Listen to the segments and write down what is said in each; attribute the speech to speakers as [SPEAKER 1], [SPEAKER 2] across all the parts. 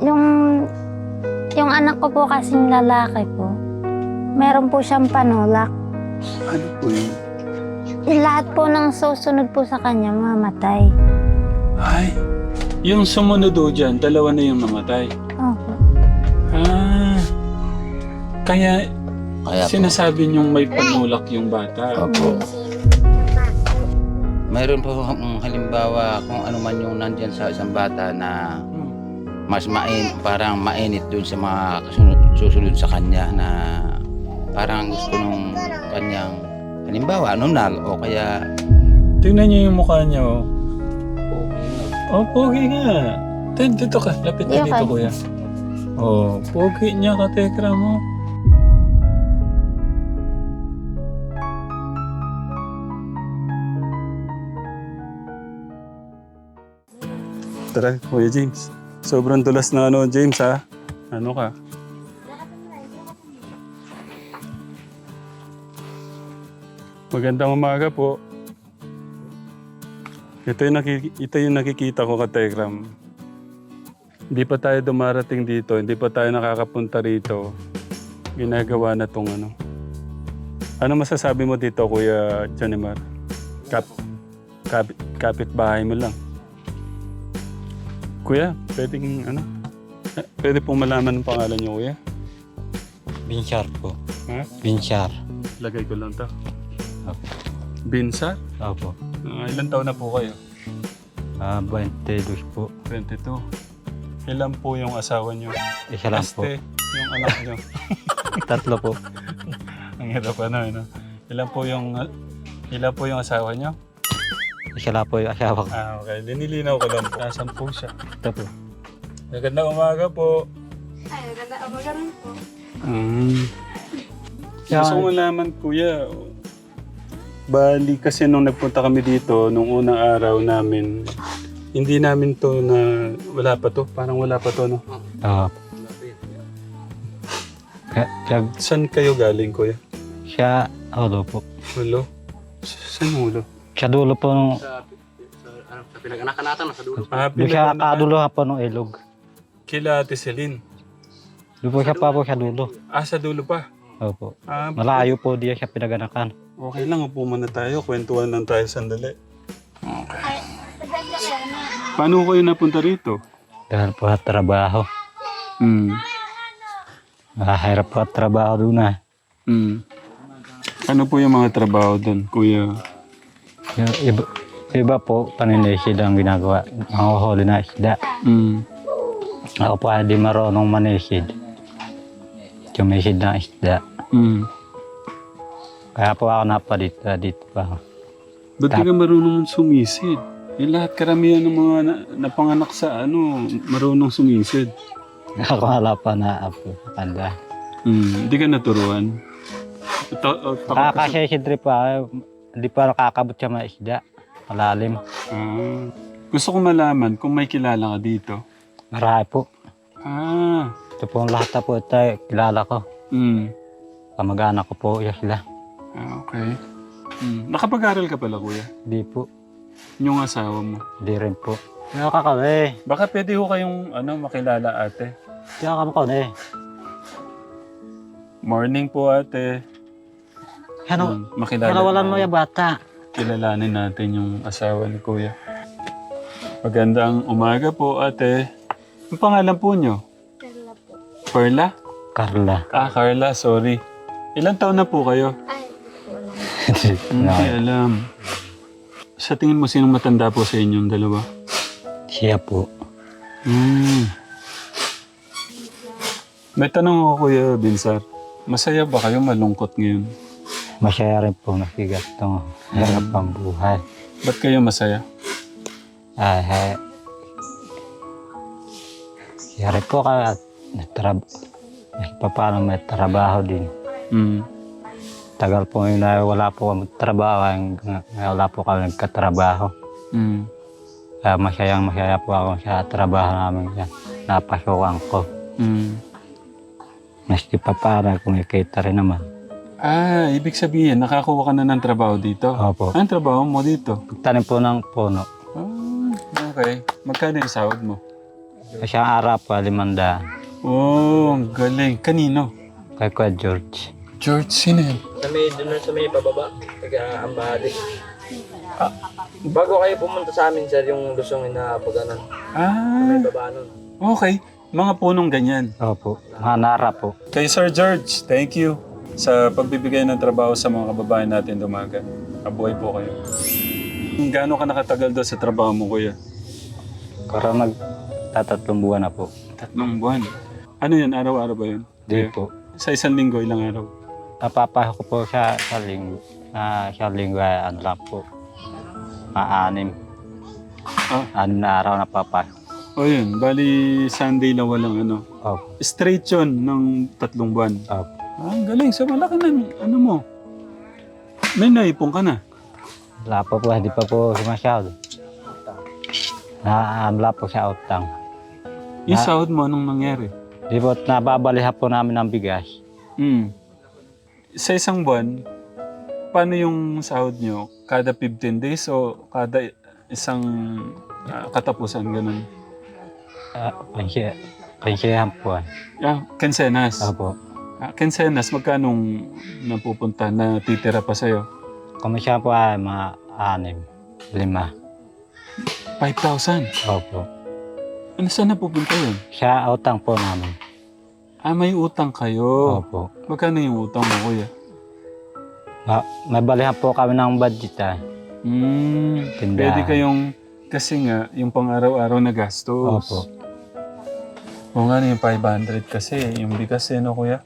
[SPEAKER 1] Yung, yung anak ko po kasing lalaki po, meron po siyang panulak.
[SPEAKER 2] Ano po yun?
[SPEAKER 1] Lahat po ng susunod po sa kanya, mamatay.
[SPEAKER 2] Ay, yung sumunod o dyan, dalawa na yung namatay.
[SPEAKER 1] Opo.
[SPEAKER 2] Ah, kaya
[SPEAKER 3] Kaya po,
[SPEAKER 2] sinasabi niyong may panulak yung bata.
[SPEAKER 3] opo. Mayroon po halimbawa kung ano man yung nandyan sa isang bata na mas parang mainit dun sa mga susunod sa kanya na parang gusto nung kanyang halimbawa nunal o kaya
[SPEAKER 2] Tingnan niyo yung mukha niya, oh. Oh, pogi nga. Dito ka. Lapit ka dito, kuya. Oh, pogi niya ka, tekra mo. Tara, Kuya James. Sobrang dulas na ano, James, ha? Ano ka? Magandang umaga po. Ito yung nakikita ko ka, Tekram. Hindi pa tayo dumarating dito, hindi pa tayo nakakapunta rito. Ginagawa na tong ano. Ano masasabi mo dito, Kuya Janimar? Kapit-bahay mo lang. Kuya, pwedeng ano? Pwede pong malaman ang pangalan niyo, Kuya?
[SPEAKER 4] Binchar po.
[SPEAKER 2] Ha?
[SPEAKER 4] Binchar.
[SPEAKER 2] Lagay ko lang to.
[SPEAKER 4] Opo.
[SPEAKER 2] Binsa?
[SPEAKER 4] Opo.
[SPEAKER 2] Ilan taon na po kayo?
[SPEAKER 4] 22 po.
[SPEAKER 2] 22. Ilan po yung asawa niyo?
[SPEAKER 4] Isa lang po.
[SPEAKER 2] Yung anak niyo.
[SPEAKER 4] Tatlo po.
[SPEAKER 2] Ang hirap ano. Ilan po yung asawa niyo?
[SPEAKER 4] Isa lang po yung asawa ko.
[SPEAKER 2] Okay. Linilinaw ko lang po. Nasaan po siya?
[SPEAKER 4] Ito po.
[SPEAKER 2] Magandang umaga po.
[SPEAKER 5] Ay, maganda umaga rin po.
[SPEAKER 2] Gusto ko malaman, Kuya. Bali kasi nung nagpunta kami dito, nung unang araw namin, hindi namin to na wala pa to. Parang wala pa to, no? Saan kayo galing, Kuya?
[SPEAKER 4] Siya, ulo po.
[SPEAKER 2] Hulo? Saan hulo?
[SPEAKER 4] Siya dulo po nung...
[SPEAKER 3] sa pinag-anakan natin sa dulo.
[SPEAKER 4] Doon siya kadulo po nung ilog.
[SPEAKER 2] Kila Ate Celine.
[SPEAKER 4] Doon po siya pa po siya dulo.
[SPEAKER 2] Sa dulo pa.
[SPEAKER 4] Opo.
[SPEAKER 2] Malayo.
[SPEAKER 4] Malayo po diya siya pinaganakan.
[SPEAKER 2] Okay lang, upo muna tayo. Kwentuhan lang tayo sandali. Okay. Paano kayo napunta rito?
[SPEAKER 4] Dahil po sa trabaho. Mahirap po at trabaho doon na.
[SPEAKER 2] Ano po yung mga trabaho doon, Kuya?
[SPEAKER 4] Yung iba po, paninisid ang ginagawa. Mga huli na isda. Ako po hindi marunong manisid. Tumisid na isda. Kaya po ako dito pa ako.
[SPEAKER 2] Ba't di ka marunong sumisid? Lahat karamihan ng mga napanganak sa marunong sumisid.
[SPEAKER 4] Ako wala pa na apo. Kanda.
[SPEAKER 2] Hindi ka naturuan?
[SPEAKER 4] Nakakasesid rin pa. Hindi pa nakakabot siya mga isda. Malalim.
[SPEAKER 2] Gusto ko malaman kung may kilala ka dito.
[SPEAKER 4] Marami po. Ito po ang lahat na po ito. Kilala ko. Kamag-anak ko po. Yes sila.
[SPEAKER 2] Okay. Nakapag-aral ka pala, Kuya?
[SPEAKER 4] Hindi po.
[SPEAKER 2] Yung asawa mo?
[SPEAKER 4] Hindi rin po. Kaya ka kami.
[SPEAKER 2] Baka pwede ho kayong makilala, ate.
[SPEAKER 4] Kaya kami.
[SPEAKER 2] Morning po, ate.
[SPEAKER 4] Ano?
[SPEAKER 2] Makilala.
[SPEAKER 4] Kalawalan mo yung bata.
[SPEAKER 2] Kilalanin natin yung asawa ni Kuya. Magandang umaga po, ate. Ang pangalan po nyo?
[SPEAKER 5] Perla po.
[SPEAKER 2] Perla?
[SPEAKER 4] Carla.
[SPEAKER 2] Carla, sorry. Ilan taon na po kayo?
[SPEAKER 5] Ay, wala.
[SPEAKER 2] Hindi alam. Sa tingin mo, sinong matanda po sa inyong dalawa?
[SPEAKER 4] Siya po.
[SPEAKER 2] May tanong ako, Kuya Binsar. Masaya ba kayo malungkot ngayon?
[SPEAKER 4] Masaya rin po nakigat itong hirap ang buhay.
[SPEAKER 2] Ba't kayo masaya?
[SPEAKER 4] Kaya rin po kaya paano may trabaho din. Tagal po yun na wala po kami trabaho, wala po kami nagkatrabaho. Kaya masaya po ako sa trabaho namin yan. Napasukan ko. Maski pa para kumikita rin naman.
[SPEAKER 2] Ibig sabihin, nakakuha ka na ng trabaho dito?
[SPEAKER 4] Opo.
[SPEAKER 2] Anong trabaho mo dito?
[SPEAKER 4] Tanim po ng puno.
[SPEAKER 2] Okay. Magkano yung sahod mo?
[SPEAKER 4] Isang araw po, 500.
[SPEAKER 2] Oh, ang galing. Kanino?
[SPEAKER 4] Kay Kuya George.
[SPEAKER 2] George, sino yun?
[SPEAKER 6] Sa may pababa, taga-Ambade. Bago kayo pumunta sa amin, sir, yung lusong na pag ano,
[SPEAKER 2] Ah,
[SPEAKER 6] may baba nun.
[SPEAKER 2] okay. Mga punong ganyan.
[SPEAKER 4] Opo. Mga nara po.
[SPEAKER 2] Kay Sir George, thank you sa pagbibigay ng trabaho sa mga kababayan natin dumaga. Mabuhay po kayo. Gaano ka nakatagal daw sa trabaho mo, kuya?
[SPEAKER 4] Parang nagtatatlong buwan na po.
[SPEAKER 2] 3 buwan. Ano yan? Araw-araw ba yun?
[SPEAKER 4] Di
[SPEAKER 2] Kuya?
[SPEAKER 4] po.
[SPEAKER 2] Sa isang linggo, ilang araw?
[SPEAKER 4] Napapasok ko po sa linggo. Sa linggo ay ano lang po. Maanim.
[SPEAKER 2] Ah.
[SPEAKER 4] 6 na araw napapasok.
[SPEAKER 2] O yun, bali Sunday lang walang ano.
[SPEAKER 4] Opo.
[SPEAKER 2] Straight yun ng 3 buwan.
[SPEAKER 4] Opo.
[SPEAKER 2] Ah, ang galing. So malaki na ano mo. May naipon ka na.
[SPEAKER 4] Wala pa po, hindi pa po sumasyado. Wala po sa utang.
[SPEAKER 2] Yung sahod mo, anong nangyari?
[SPEAKER 4] Di po, nababalihan po namin ng bigas.
[SPEAKER 2] Sa isang buwan, paano yung sahod nyo? Kada 15 days o kada isang katapusan, ganun?
[SPEAKER 4] Pensiyahan po.
[SPEAKER 2] Kensenas.
[SPEAKER 4] Opo.
[SPEAKER 2] Kensenas, magkanong napupunta, natitira pa sa'yo?
[SPEAKER 4] Komisya po ay mga 6, 5.
[SPEAKER 2] 5,000.
[SPEAKER 4] Opo.
[SPEAKER 2] Ano saan napupunta yun?
[SPEAKER 4] Sa utang po namin.
[SPEAKER 2] May utang kayo.
[SPEAKER 4] Opo.
[SPEAKER 2] Magkano yung utang mo, kuya?
[SPEAKER 4] May balihan po kami ng budget ah. Tindahan.
[SPEAKER 2] Pwede kayong, kasi nga, yung pang-araw-araw na gastos.
[SPEAKER 4] Opo.
[SPEAKER 2] O nga yung 500 kasi, yung bigas no, kuya?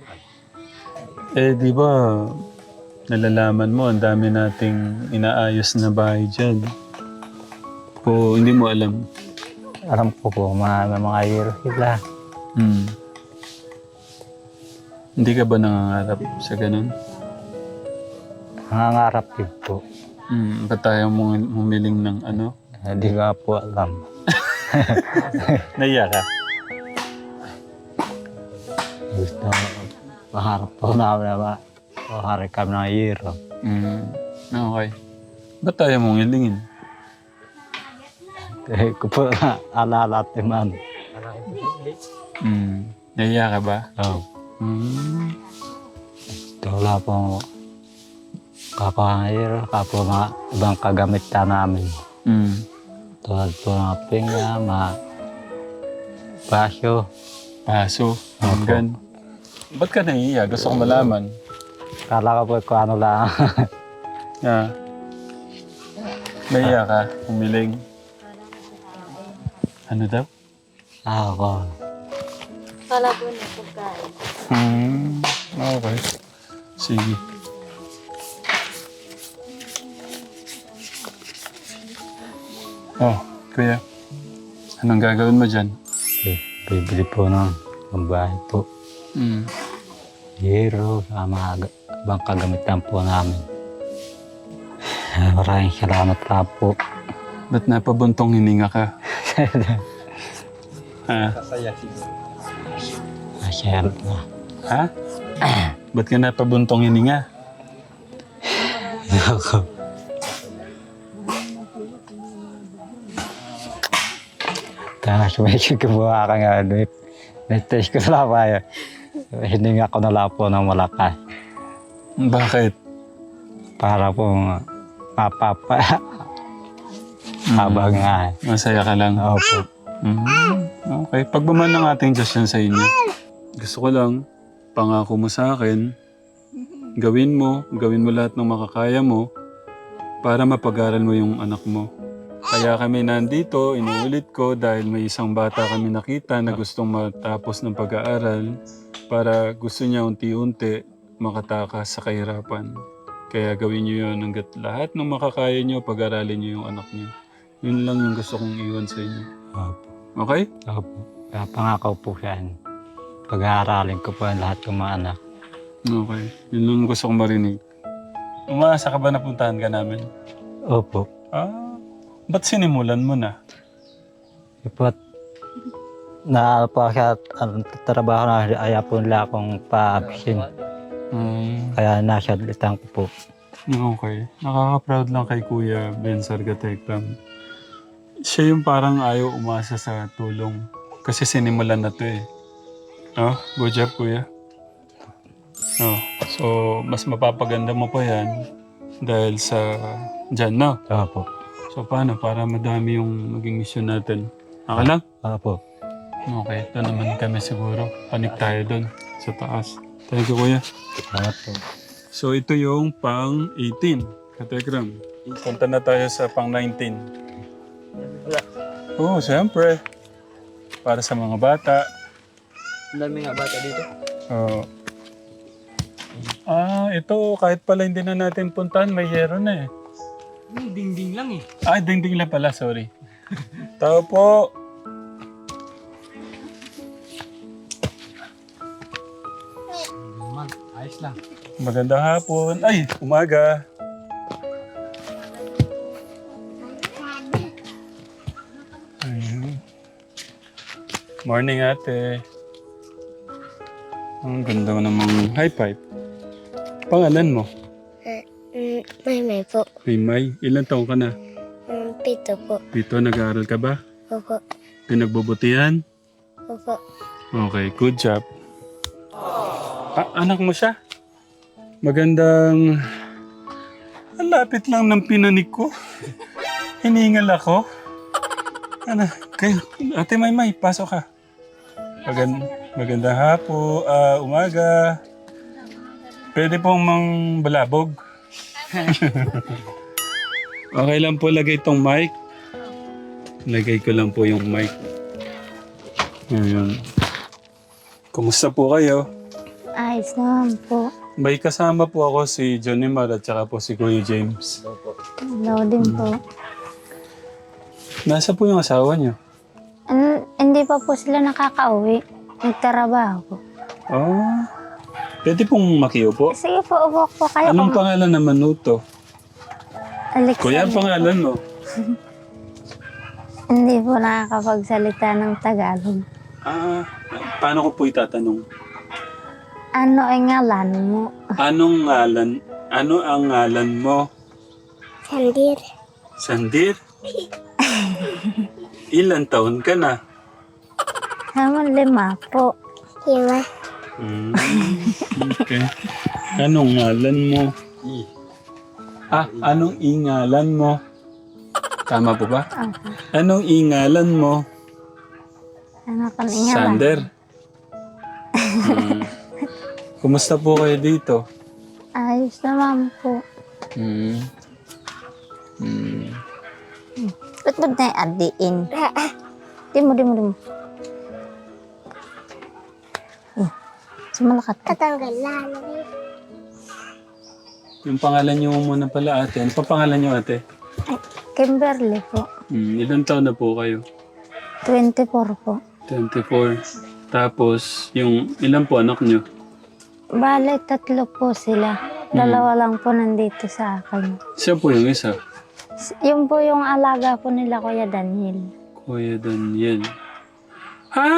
[SPEAKER 2] Di ba, nalalaman mo, ang dami nating inaayos na bahay dyan. O hindi mo alam.
[SPEAKER 4] Alam ko po, may mga hero sila.
[SPEAKER 2] Hindi ka ba nangangarap sa ganun?
[SPEAKER 4] Nangangarap din po.
[SPEAKER 2] Ba't tayo humiling ng ano?
[SPEAKER 4] Hindi ka po alam.
[SPEAKER 2] Naiya ka?
[SPEAKER 4] Gusto maharap po namin na maharap kami ng hero.
[SPEAKER 2] Okay. Ba't tayo mong hilingin?
[SPEAKER 4] Kaya ko po na alala at iman.
[SPEAKER 2] Naiya ka ba?
[SPEAKER 4] Oh. Wala po kapangahiro, kapo mga ibang kagamitan namin. Tulad po ng pinga, mga basyo.
[SPEAKER 2] Paso, hanggan. Ba't ka naiiya? Gusto ko malaman.
[SPEAKER 4] Kala ko po kung ano lang.
[SPEAKER 2] Naiiya ka? Humiling? Ano daw?
[SPEAKER 4] Ako.
[SPEAKER 5] Kala po na pagkain.
[SPEAKER 2] Okay. Sige. Oh, kuya. Anong gagawin mo dyan?
[SPEAKER 4] Bibili po ng bahay po. Hero, sa mga ibang kagamitan po namin. Maraming salamat pa po.
[SPEAKER 2] Ba't napabuntong hininga ka?
[SPEAKER 4] Masaya na.
[SPEAKER 2] Ha? Ba't ka napabuntong hininga?
[SPEAKER 4] Ako. Tapos may kikuha ka nga. Nag-test ko na pa yun. Hininga ko na lang po ng malakas.
[SPEAKER 2] Bakit?
[SPEAKER 4] Para po mapapa. Habang nga.
[SPEAKER 2] Masaya ka lang?
[SPEAKER 4] Opo.
[SPEAKER 2] Okay. Pagbaman ng ating Diyos yan sa inyo. Gusto ko lang, pangako mo sa akin, gawin mo lahat ng makakaya mo para mapag-aral mo yung anak mo. Kaya kami nandito, inuulit ko dahil may isang bata kami nakita na gustong matapos ng pag-aaral para gusto niya unti-unti makatakas sa kahirapan. Kaya gawin niyo yun hanggat lahat ng makakaya niyo, pag-aralin niyo yung anak niyo. Yun lang yung gusto kong iwan sa inyo.
[SPEAKER 4] Opo.
[SPEAKER 2] Okay?
[SPEAKER 4] Opo. Kaya pangako po yan. Pag-aaralin ko po ang lahat ng mga anak.
[SPEAKER 2] Okay. Yun lang gusto kong marinig. Umaasa ka ba na puntahan ka namin?
[SPEAKER 4] Opo.
[SPEAKER 2] Ba't sinimulan mo na?
[SPEAKER 4] Ipot na po sa trabaho na ayaw po nila akong pa-absent. Kaya nasa litang ko po.
[SPEAKER 2] Okay. Nakaka-proud lang kay Kuya Ben Sargatekram. siya yung parang ayaw umasa sa tulong. Kasi sinimulan na to eh. Oh, good job, kuya. Oh, so, mas mapapaganda mo pa yan dahil sa dyan, no?
[SPEAKER 4] Opo.
[SPEAKER 2] So, paano? Para madami yung maging mission natin. Okay lang?
[SPEAKER 4] Opo.
[SPEAKER 2] Okay, ito naman kami siguro. Panik tayo doon sa taas. Thank you, kuya.
[SPEAKER 4] Salamat po.
[SPEAKER 2] So, ito yung pang 18. Katekram. Punta na tayo sa pang 19. Oo, siyempre. Para sa mga bata.
[SPEAKER 6] Ang dami nga bata dito.
[SPEAKER 2] Oo. Ito, kahit pala hindi na natin puntahan, may yero na eh.
[SPEAKER 6] Ding-ding lang eh.
[SPEAKER 2] Ding-ding lang pala, sorry. Tao po.
[SPEAKER 6] Ayos lang.
[SPEAKER 2] Magandang hapon. Ay, umaga. Ayun. Morning, ate. Ang ganda mo namang high five. Pangalan mo?
[SPEAKER 5] May po.
[SPEAKER 2] May. Ilan taong ka na?
[SPEAKER 5] 7 po.
[SPEAKER 2] Dito, nag-aaral ka ba?
[SPEAKER 5] Opo.
[SPEAKER 2] Pinagbubutihan?
[SPEAKER 5] Opo.
[SPEAKER 2] Okay, good job. Anak mo siya? Magandang... Ang lapit lang ng pinanig ko. Hiningal ako. Ano, kayo, Ate Maymay, pasok ka. Magandang hapo, umaga. Pwede pong mang balabog. Okay lang po, lagay tong mic. Lagay ko lang po yung mic. Ayan. Kumusta po kayo?
[SPEAKER 1] Ayos naman po.
[SPEAKER 2] May kasama po ako si Johnny Mar at saka po si Kuya James.
[SPEAKER 1] Hello din po.
[SPEAKER 2] Nasa po yung asawa niyo?
[SPEAKER 1] Hindi pa po sila nakakauwi. Nagtrabaho po.
[SPEAKER 2] Oh. Pwede pong makiupo.
[SPEAKER 1] Sige po, upo po kayo.
[SPEAKER 2] Anong pangalan naman nuto?
[SPEAKER 1] Alexander.
[SPEAKER 2] Kuya, ang pangalan mo?
[SPEAKER 1] Hindi po nakakapagsalita ng Tagalog.
[SPEAKER 2] Paano ko po itatanong?
[SPEAKER 1] Ano ang ngalan mo?
[SPEAKER 2] Anong ngalan? Ano ang ngalan mo?
[SPEAKER 5] Sandir.
[SPEAKER 2] Sandir? Ilan taon ka na?
[SPEAKER 1] Naman 5 po.
[SPEAKER 5] 5.
[SPEAKER 2] Okay. Anong ngalan mo? Anong ingalan mo? Tama po ba?
[SPEAKER 1] Okay.
[SPEAKER 2] Anong ingalan mo?
[SPEAKER 1] Ano ka ng ngalan?
[SPEAKER 2] Sander. Kumusta po kayo dito?
[SPEAKER 1] Ayos naman po. Ba't ba tayo adiin? Di mo. Sumalakat ka.
[SPEAKER 5] Tatanggal lang.
[SPEAKER 2] Yung pangalan niyo muna pala, ate. Ano pa pangalan niyo, ate?
[SPEAKER 1] Kimberly po.
[SPEAKER 2] Ilan taon na po kayo?
[SPEAKER 1] 24 po.
[SPEAKER 2] 24. Tapos, yung ilan po anak niyo?
[SPEAKER 1] Bale, 3 po sila. 2 lang po nandito sa akin.
[SPEAKER 2] Siya po yung isa.
[SPEAKER 1] Yung po yung alaga po nila, Kuya Daniel.
[SPEAKER 2] Kuya Daniel. Ha?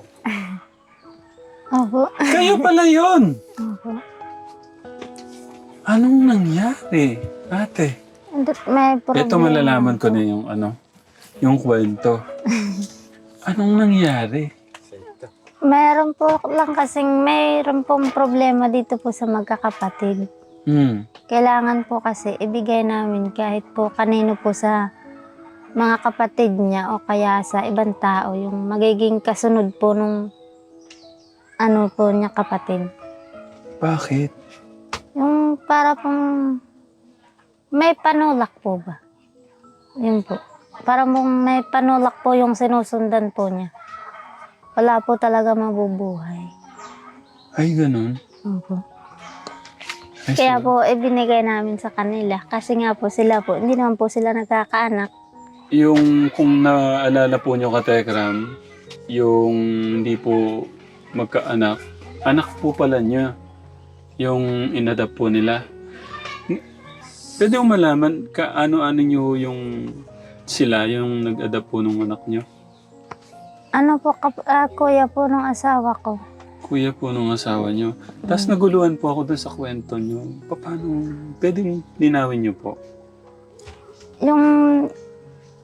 [SPEAKER 1] Opo.
[SPEAKER 2] Kayo pala yun!
[SPEAKER 1] Opo.
[SPEAKER 2] Anong nangyari, ate?
[SPEAKER 1] May problema.
[SPEAKER 2] Ito malalaman ko na yung yung kwento. Anong nangyari?
[SPEAKER 1] Meron po lang kasing mayroon pong problema dito po sa magkakapatid. Kailangan po kasi ibigay namin kahit po kanino po sa mga kapatid niya o kaya sa ibang tao yung magiging kasunod po nung po niya kapatid.
[SPEAKER 2] Bakit?
[SPEAKER 1] Yung para pong may panulak po ba? Yun po. Para mong may panulak po yung sinusundan po niya. Wala po talaga mabubuhay.
[SPEAKER 2] Ay, ganun.
[SPEAKER 1] Opo.
[SPEAKER 2] Ay,
[SPEAKER 1] Kaya po ibinigay namin sa kanila. Kasi nga po sila po, hindi naman po sila nagkakaanak.
[SPEAKER 2] Yung kung naalala po nyo katekram, yung hindi po magkaanak, anak po pala niya. Yung inadapt po nila. Pwede mo malaman ano nyo yung sila, yung nag-adapt po ng anak nyo?
[SPEAKER 1] Ano po, kuya po ng asawa ko.
[SPEAKER 2] Kuya po nung asawa nyo. Tapos naguluhan po ako dun sa kwento nyo. Paano? Pwede linawin nyo po.
[SPEAKER 1] Yung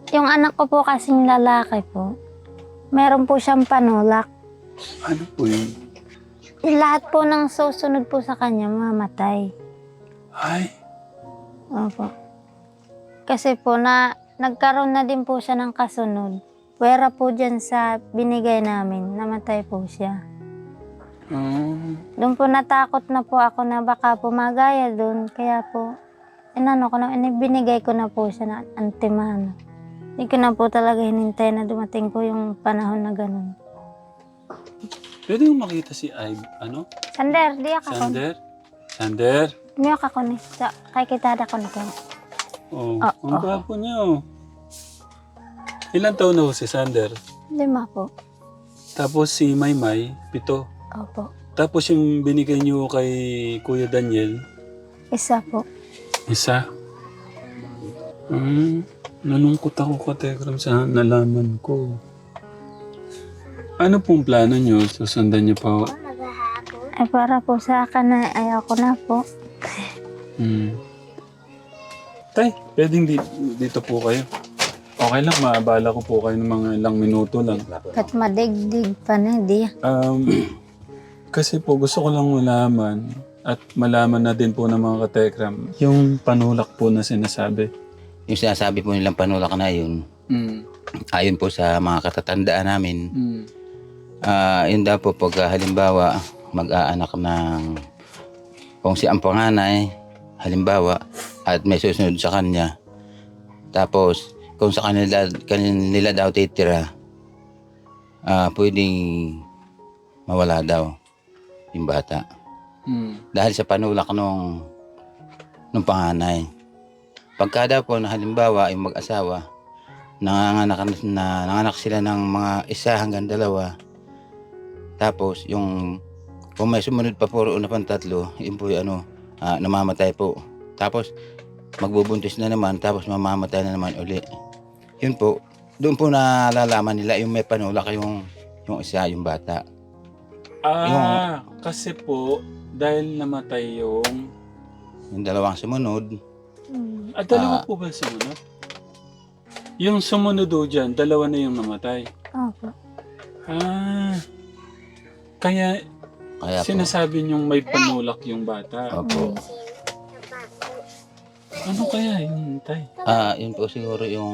[SPEAKER 1] Yung anak ko po kasing lalaki po, meron po siyang panulak.
[SPEAKER 2] Ano po yun?
[SPEAKER 1] Lahat po ng susunod po sa kanya, mamatay.
[SPEAKER 2] Ay,
[SPEAKER 1] Opo. Kasi po, nagkaroon na din po siya ng kasunod. Pwera po dyan sa binigay namin, namatay po siya. Doon po natakot na po ako na baka pumagaya doon. Kaya po, binigay ko na po siya na antimano. Hindi ko na po talaga hinintay na dumating po yung panahon na ganun.
[SPEAKER 2] pwede yung makita si ano?
[SPEAKER 1] Sander, di ako.
[SPEAKER 2] Sander? Sander?
[SPEAKER 1] Miyok ako ni. Kay kitada ko na po.
[SPEAKER 2] Oh,
[SPEAKER 1] Ah,
[SPEAKER 2] ang gwapo niya oh. Ilan taon na ho si Sander?
[SPEAKER 1] 5 po.
[SPEAKER 2] Tapos si Maymay, 7.
[SPEAKER 1] Opo.
[SPEAKER 2] Tapos yung binigay niyo kay Kuya Daniel,
[SPEAKER 1] 1 po.
[SPEAKER 2] 1. Nalungkot ako Katekram sa nalaman ko. Ano pong plano niyo? Susundan niyo pa?
[SPEAKER 1] Ay para po sa akin na ayaw ko na po.
[SPEAKER 2] Tay, pwedeng dito po kayo. Okay lang, maabala ko po kayo ng mga ilang minuto lang.
[SPEAKER 1] Kat madigdig pa na, di.
[SPEAKER 2] Kasi po gusto ko lang malaman at malaman na din po ng mga Katekram yung panulak po na sinasabi.
[SPEAKER 3] Yung sinasabi po nilang panulak na yun, ayon po sa mga katatandaan namin, yun daw po pag halimbawa mag-aanak ng kung si ang panganay, halimbawa, at may susunod sa kanya. Tapos, kung sa kanila daw titira, pwedeng mawala daw yung bata. Dahil sa panulak nung panganay. Pagka daw po na halimbawa yung mag-asawa, nanganak sila ng mga 1 hanggang 2. Tapos yung kung may sumunod pa po na pang 3, yun po yung namamatay po. Tapos magbubuntis na naman, tapos mamamatay na naman uli. Yun po, doon po nalalaman nila yung may panulak yung isa, yung bata.
[SPEAKER 2] Kasi po, dahil namatay yung...
[SPEAKER 3] Yung 2 sumunod.
[SPEAKER 2] dalawa po ba sumunod? Yung sumunod o dyan, 2 na yung namatay.
[SPEAKER 1] Opo.
[SPEAKER 2] Kaya
[SPEAKER 3] Kaya po,
[SPEAKER 2] sinasabi niyong may panulak yung bata.
[SPEAKER 3] opo.
[SPEAKER 2] Ano kaya yun, Tay?
[SPEAKER 3] Yun po siguro yung...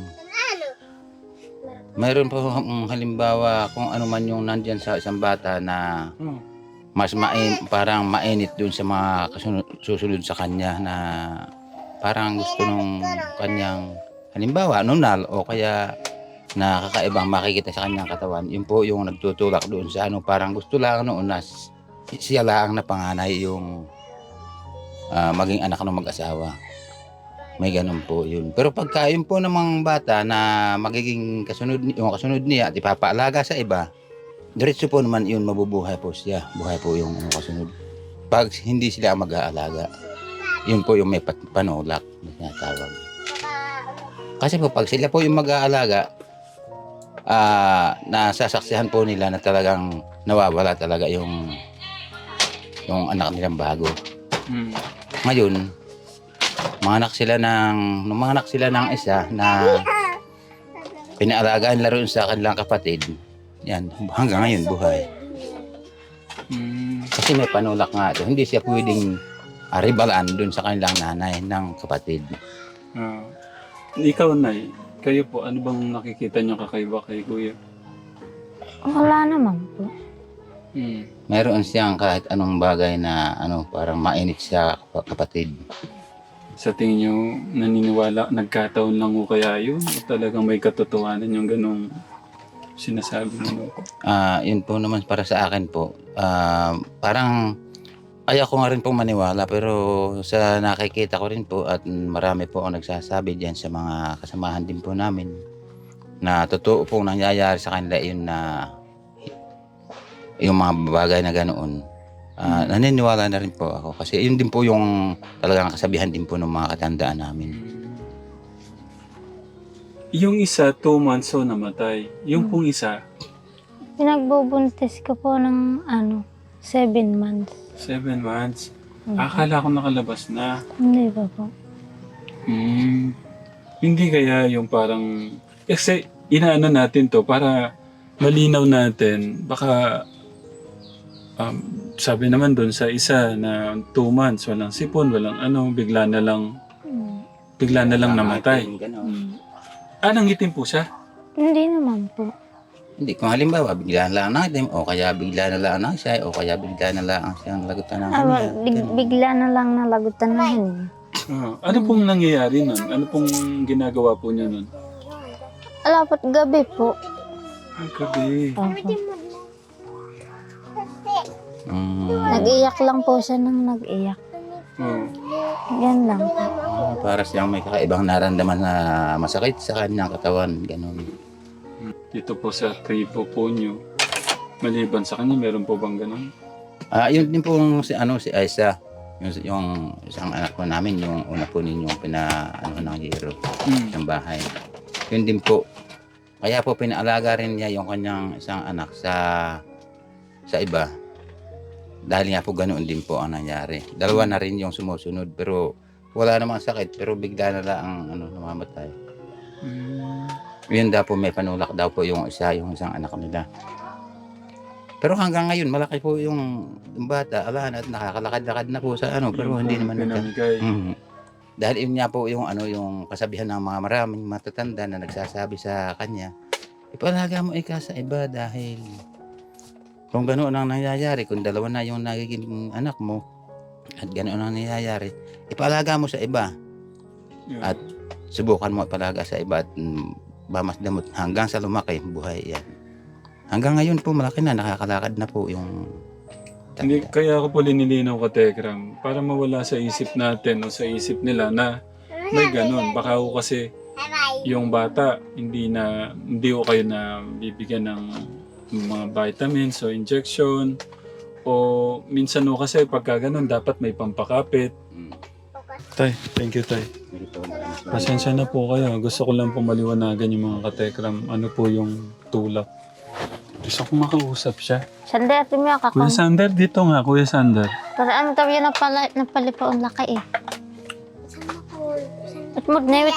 [SPEAKER 3] Mayroon po halimbawa kung ano man yung nandyan sa isang bata na mas parang mainit dun sa mga susunod sa kanya na parang gusto nung kanyang halimbawa nunal o kaya nakakaibang makikita sa kanyang katawan. Yun po yung nagtutulak doon sa parang gusto lang noon na siya lang na panganay yung maging anak ng mag-asawa. May ganun po yun. Pero pagka yun po namang bata na magiging kasunod niya at ipapaalaga sa iba, diretso po naman yun, mabubuhay po siya. Buhay po yung kasunod. Pag hindi sila mag-aalaga, yun po yung may panulak na tinatawag. Kasi po pag sila po yung mag-aalaga, nasasaksihan po nila na talagang nawawala talaga yung anak nilang bago. Ngayon, manganak sila ng isa na pinaalagaan laro sa kanilang kapatid. Yan, hanggang ngayon buhay. Kasi may panulak nga ito. Hindi siya pwedeng ribalaan dun sa kanilang nanay ng kapatid.
[SPEAKER 2] Ikaw, Nay, kayo po, ano bang nakikita niyo kakaiba kay Kuya?
[SPEAKER 1] Wala naman po.
[SPEAKER 3] Mayroon siyang kahit anong bagay na parang mainit siya kapatid.
[SPEAKER 2] Sa tingin niyo, naniniwala, nagkataon lang o kaya yun? O talagang may katotohanan yung ganong sinasabi niyo po?
[SPEAKER 3] Yun po naman para sa akin po. Parang kaya ko nga rin pong maniwala pero sa nakikita ko rin po at marami po ang nagsasabi diyan sa mga kasamahan din po namin na totoo pong nangyayari sa kanila yun na yung mga bagay na ganoon. Naniniwala na rin po ako kasi yun din po yung talagang kasabihan din po ng mga katandaan namin.
[SPEAKER 2] Yung isa, 2 months o namatay. Yung pong isa,
[SPEAKER 1] Pinagbubuntis ko po ng 7 months.
[SPEAKER 2] 7 months. Akala ko nakalabas na.
[SPEAKER 1] Hindi ba po?
[SPEAKER 2] Hindi kaya yung parang... Kasi inaano natin to para malinaw natin. Baka sabi naman doon sa isa na 2 months, walang sipon, walang ano, bigla na lang namatay.
[SPEAKER 3] Ganon.
[SPEAKER 2] Nangitim po siya?
[SPEAKER 1] Hindi naman po.
[SPEAKER 3] Hindi, kung halimbawa, bigla na lang natin, o kaya bigla na lang siya, o kaya bigla na lang siyang lagutan ng kanya.
[SPEAKER 1] Bigla na lang nalagutan na yun.
[SPEAKER 2] Ano pong nangyayari nun? Ano pong ginagawa po niya nun?
[SPEAKER 1] Alapat gabi po.
[SPEAKER 2] Ang gabi.
[SPEAKER 1] Opo.
[SPEAKER 3] Mm,
[SPEAKER 1] Nag-iyak lang po siya nang nag-iyak.
[SPEAKER 2] Oh.
[SPEAKER 1] Yan lang po.
[SPEAKER 3] para siyang may kakaibang naramdaman na masakit sa kanyang katawan. Ganon.
[SPEAKER 2] Dito po sa tripo po niyo, maliban sa kanya, meron po bang ganun?
[SPEAKER 3] Yun din po si Aisa. Yung isang anak po namin, yung una po ninyong ng hero ng bahay. Yun din po. Kaya po pinaalaga rin niya yung kanyang isang anak sa iba. Dahil nga po ganoon din po ang nangyari. Dalawa na rin yung sumusunod pero wala namang sakit pero bigla na lang namamatay. Yun daw po may panulak daw po yung isang anak nila. Pero hanggang ngayon malaki po yung bata, alahan at nakakalakad-lakad na po sa pero hindi naman
[SPEAKER 2] pinamigay.
[SPEAKER 3] Dahil yun nga po yung yung kasabihan ng mga maraming matatanda na nagsasabi sa kanya, ipalaga mo ika sa iba dahil kung ganoon ang nangyayari, kung dalawa na yung nagiging anak mo at ganoon ang nangyayari, ipalaga mo sa iba at subukan mo ipalaga sa iba at bamasdamot hanggang sa lumaki buhay yan. Hanggang ngayon po malaki na, nakakalakad na po yung
[SPEAKER 2] Hindi, kaya ako po linilinaw ka, Tekram, para mawala sa isip natin o sa isip nila na may ganun. Baka ako kasi yung bata, hindi ko kayo na bibigyan ng mga vitamins o injection o minsan o kasi pagka ganun, dapat may pampakapit. Tay, thank you, Tay. Pasensya na po kayo. Gusto ko lang po maliwanagan yung mga katekram. Ano po yung tulak. Gusto ko makausap siya.
[SPEAKER 1] Sander, timi ako.
[SPEAKER 2] Kuya Sander, dito nga, Kuya Sander.
[SPEAKER 1] Para ano tayo napalipaon laki eh. Witmod na.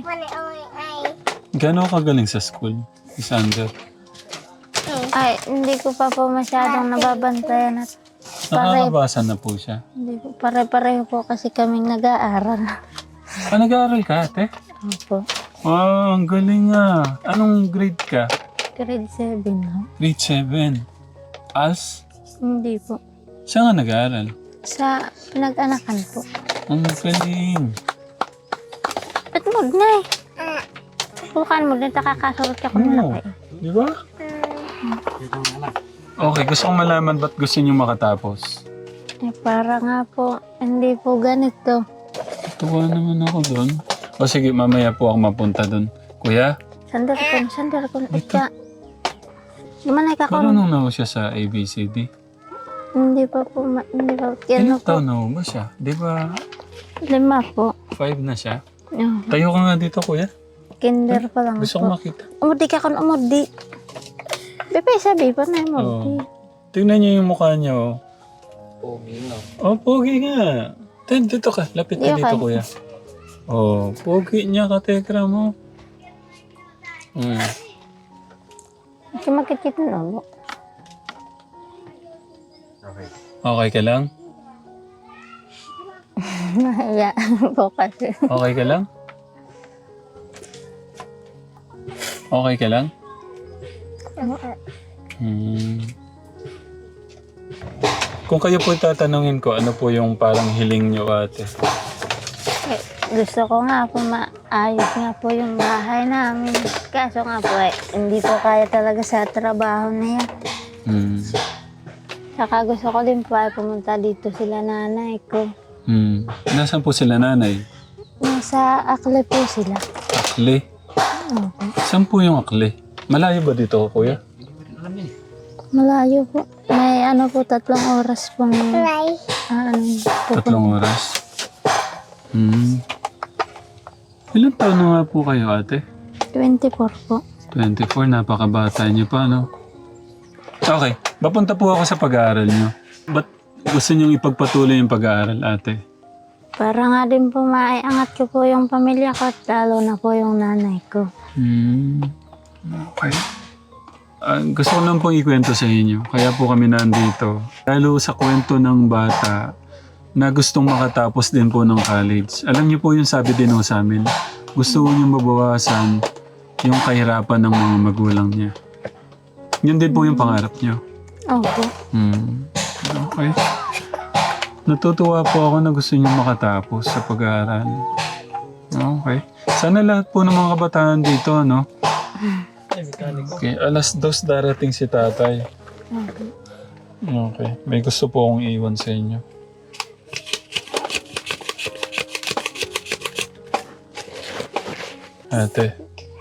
[SPEAKER 2] Gano'n kagaling sa school, si Sander?
[SPEAKER 1] Ay, hindi ko pa po masyadong nababantayan at
[SPEAKER 2] Nakakabasa na po siya.
[SPEAKER 1] hindi po pare-pareho po kasi kaming nag-aaral.
[SPEAKER 2] Nag-aaral ka, ate?
[SPEAKER 1] Opo.
[SPEAKER 2] Wow, ang galing nga. Anong grade ka?
[SPEAKER 1] Grade 7 no?
[SPEAKER 2] Grade 7. As?
[SPEAKER 1] Hindi po.
[SPEAKER 2] Siya nga nag-aaral.
[SPEAKER 1] Sa pinag-anakan po.
[SPEAKER 2] Ang galing.
[SPEAKER 1] Witmod na eh. Bukan mo din, nakakasurot ka kung
[SPEAKER 2] Oo.
[SPEAKER 1] laki eh.
[SPEAKER 2] Di ba? Okay, gusto kong malaman ba't gusto niyo makatapos.
[SPEAKER 1] Eh, para nga po, hindi po ganito.
[SPEAKER 2] Tuwa naman ako doon. O sige, mamaya po ako mapunta doon. Kuya,
[SPEAKER 1] Sander ko. Ika. Gimana ka ko?
[SPEAKER 2] marunong na ako siya sa ABCD.
[SPEAKER 1] Hindi pa po, hindi pa.
[SPEAKER 2] Ilang
[SPEAKER 1] Ano po?
[SPEAKER 2] taon na ho ba siya? Di ba
[SPEAKER 1] 5 po.
[SPEAKER 2] 5 na siya?
[SPEAKER 1] Oh,
[SPEAKER 2] Tayo ka nga dito, kuya.
[SPEAKER 1] kinder pa lang
[SPEAKER 2] Gusto ko
[SPEAKER 1] po.
[SPEAKER 2] makita.
[SPEAKER 1] Umudi ka kon umudi. Bebe, sabi pa na umudi.
[SPEAKER 2] Tingnan niyo yung mukha niya, oh.
[SPEAKER 6] Pogi nga.
[SPEAKER 2] Oh, pogi nga. Dito ka. Lapit ka
[SPEAKER 1] Dito
[SPEAKER 2] dito,
[SPEAKER 1] ka.
[SPEAKER 2] kuya. Oh, pogi niya ka, tekra mo.
[SPEAKER 1] Hindi makikita na mo.
[SPEAKER 2] Okay ka lang?
[SPEAKER 1] Mahiya po kasi.
[SPEAKER 2] Okay ka lang? Okay ka lang? Kung kayo po tatanungin ko, ano po yung parang hiling niyo, ate?
[SPEAKER 1] Eh, gusto ko nga po maayos nga po yung bahay namin. Kaso nga po hindi po kaya talaga sa trabaho na yan. Saka gusto ko din po ay pumunta dito sila nanay ko.
[SPEAKER 2] Nasaan po sila, nanay?
[SPEAKER 1] Nasa Akle po sila.
[SPEAKER 2] Akli?
[SPEAKER 1] Okay.
[SPEAKER 2] Saan po yung Akli? Malayo ba dito, kuya?
[SPEAKER 1] Malayo po. May 3 oras pong pupunta.
[SPEAKER 2] 3 oras? Ilan taon na nga po kayo, ate?
[SPEAKER 1] 24 po.
[SPEAKER 2] 24, napakabata niyo pa, no? Okay, papunta po ako sa pag-aaral niyo. Ba't gusto niyong ipagpatuloy yung pag-aaral, ate?
[SPEAKER 1] Para nga din po maiangat ko po yung pamilya ko at lalo na po yung nanay ko.
[SPEAKER 2] Okay. Gusto ko lang pong ikwento sa inyo. Kaya po kami nandito. Lalo sa kwento ng bata na gustong makatapos din po ng college. Alam niyo po yung sabi din ho sa amin. Gusto niyo mabawasan yung kahirapan ng mga magulang niya. Yun din po yung pangarap niyo.
[SPEAKER 1] Opo.
[SPEAKER 2] Okay. Natutuwa po ako na gusto niyo makatapos sa pag-aaral. Okay. Sana lahat po ng mga kabataan dito, no? Okay, 2:00 darating si tatay. Okay, may gusto po akong iwan sa inyo. Ate.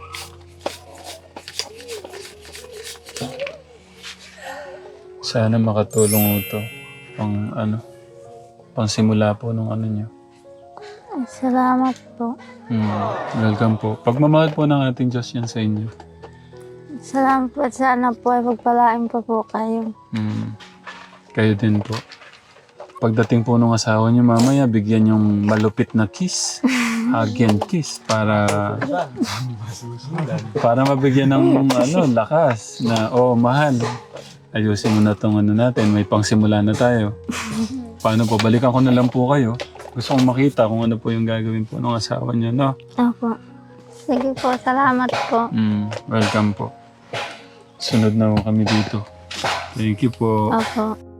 [SPEAKER 2] Sana makatulong ito pang simula po nung ano nyo.
[SPEAKER 1] Ay, salamat po.
[SPEAKER 2] Welcome po. Pagmamahal po ng ating Diyos yan sa inyo.
[SPEAKER 1] Salamat po at sana po ay pagpalain po kayo.
[SPEAKER 2] Kayo din po. Pagdating po ng asawa niyo mamaya, bigyan yung malupit na kiss. Hug and kiss para mabigyan ng lakas na, mahal. Ayusin mo na itong natin, may pangsimula na tayo. Paano po? Balikan ko na lang po kayo. Gusto kong makita kung ano po yung gagawin po ng asawa niyo, no?
[SPEAKER 1] Opo. Sige po, salamat po.
[SPEAKER 2] Welcome po. Sunod na po kami dito. Thank you po.
[SPEAKER 1] Opo.